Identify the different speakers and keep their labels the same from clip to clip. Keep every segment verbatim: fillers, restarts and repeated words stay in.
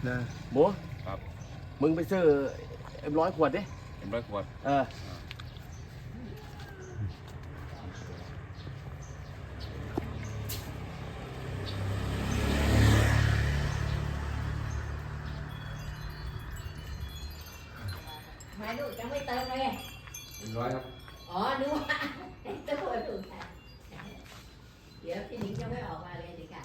Speaker 1: นะ
Speaker 2: หมู
Speaker 3: ครับ
Speaker 2: มึงไปซื้อเอ็มร้อยขวดดิ
Speaker 3: เอ็มร้อยขวด
Speaker 2: เออ
Speaker 4: มาดูจะไม่เติมเลย
Speaker 3: เอ็มร้อยครับ
Speaker 4: อ๋อนึกว่าจะพูดถูกค่ะเดี๋ยวพี่หนิงจะไม่ออกมาเลยดิค่ะ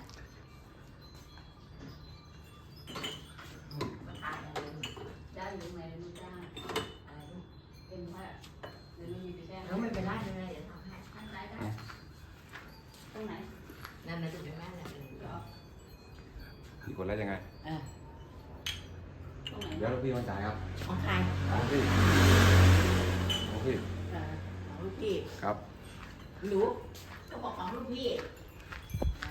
Speaker 4: มาทานอะไรได้หรือไม่ไม่ได้อะไรเป็นว่าเดี๋ยวมันมีไปแจ้งแล้วไม่เป็นไรไม่เป็นไรเดี๋ยวทำให้ทางซ้ายได้ตรงไหนนั่นน่ะจะเป็นแม่แหละ
Speaker 3: กี่ขวดแล้วยังไง
Speaker 4: เออตรงไหน
Speaker 3: เดี๋ยวลูกพี่มาจ่ายครับ
Speaker 4: ของใคร
Speaker 3: ของพี่ของพี่
Speaker 4: เออของลูกพี่
Speaker 3: ครับ
Speaker 4: รู้ก็บอกของลูกพี่อ่า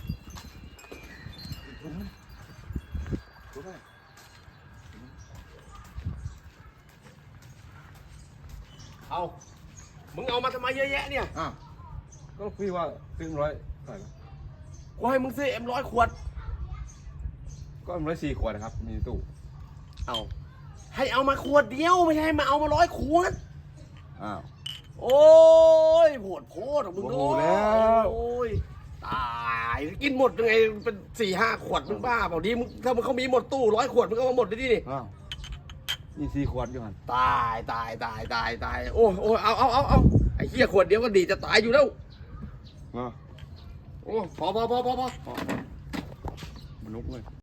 Speaker 2: เอามึงเอามาทำไมเยอะแยะเนี่ย
Speaker 3: อ้าวก็ลูกพี่ว่าซื้อร้อยเท่าไหร่นะ
Speaker 2: กูให้มึงซื้อเอ็มร้อยขวด
Speaker 3: ก็เอ็มร้อยสี่ขวดนะครับมีตู้
Speaker 2: เอาให้เอามาขวดเดียวไม่ใช่ให้มาเอามาร้อยขวด
Speaker 3: อ้าว
Speaker 2: โอ้ยโหดโพดของมึง
Speaker 3: โอ้โหแล้ว
Speaker 2: โอ้ยตายกินหมดยังไงเป็นสี่ห้าขวดมึงบ้าเปล่าดิมึงถ้ามึงเขามีหมดตู้ร้อยขวดมึงก็มาหมดเลยดินี่
Speaker 3: อ้าวนี่สี่ขวดอยู่หัน
Speaker 2: ตายตายตายตายตายโอ้โอ้เอาเอาเอาเอาไอ้เหี้ยขวดเดียวก็ดีจะตายอยู่แล้ว
Speaker 3: อ้าว
Speaker 2: โอ้พอพอพอพอพอ
Speaker 3: มันลุกเลย